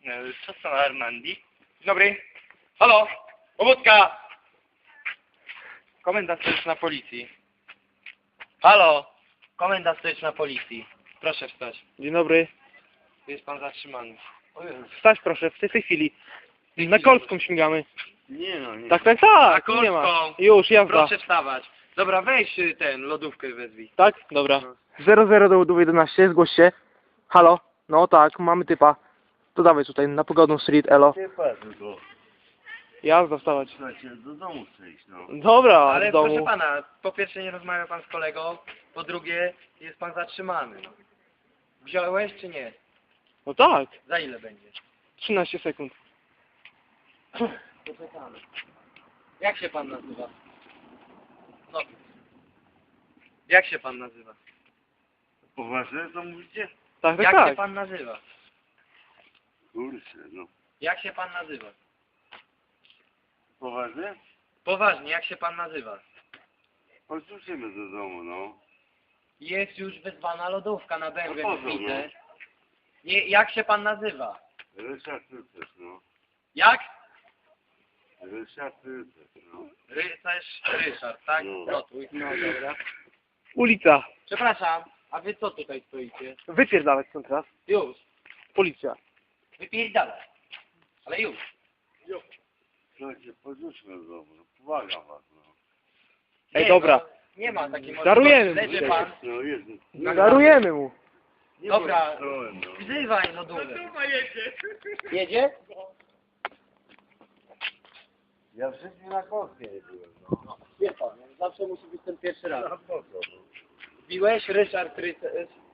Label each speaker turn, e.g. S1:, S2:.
S1: Co to Armandi? Dzień dobry. Halo! Pobudka! Komenda stołeczna policji. Halo! Komenda stołeczna policji. Proszę wstać.
S2: Dzień dobry.
S1: Jest pan zatrzymany.
S2: Wstać proszę, w tej chwili. Na Kolską śmigamy.
S1: Nie no, nie.
S2: Tak, tak,
S1: Na
S2: tak, nie ma.
S1: Kolską.
S2: Już, jazda.
S1: Proszę wstawać. Dobra, weź lodówkę wezwij.
S2: Tak? Dobra. 00 do 11, zgłoś się. Halo? No tak, mamy typa. To dawaj tutaj, na Pogodną Street, elo.
S3: Nie patrz tylko.
S2: Jazda, wstawać.
S3: Słuchajcie, do domu chcę iść, no.
S2: Dobra,
S1: Ale
S2: z domu.
S1: proszę pana, po pierwsze nie rozmawia pan z kolegą, po drugie jest pan zatrzymany. No. Wziąłeś czy nie?
S2: No tak,
S1: Za ile będzie?
S2: 13 sekund.
S1: Poczekamy. Jak się pan nazywa? No. Jak się pan nazywa?
S3: Poważnie to mówicie?
S2: Tak, tak,
S1: Jak się
S2: tak.
S1: pan nazywa?
S3: Kurczę, no.
S1: Jak się pan nazywa?
S3: Poważnie?
S1: Poważnie, jak się pan nazywa?
S3: Chodźmy do domu, no.
S1: Jest już wezwana lodówka na bębę,
S3: No po co,
S1: widzę. Nie, jak się pan nazywa?
S3: Ryszard Rycerz, no.
S1: Jak?
S3: Ryszard Rycerz, no.
S1: Rycerz Ryszard, tak?
S3: No.
S1: Notuj. No dobra.
S2: Ulica.
S1: Przepraszam, a wy co tutaj stoicie?
S2: Wypierdalać stąd teraz.
S1: Już.
S2: Policja.
S1: Wypierdalaj. Ale już.
S3: Słuchajcie, podrzućmy do domu, no. Pomagam was, no.
S2: Ej,
S1: Nie,
S2: dobra.
S1: No, nie ma takiej
S2: Darujemy mu
S1: Leży
S2: dzisiaj.
S1: pan.
S3: No, jest.
S2: Darujemy mu.
S3: Nie
S1: Dobra.
S3: bądź trołem, no.
S1: Wzywaj lodówkę. Jedzie?
S3: Ja w życiu na kostkę nie byłem, no.
S1: Wie pan, zawsze musi być ten pierwszy raz.
S3: A po co, no?
S1: Biłeś Ryszard Rycerz.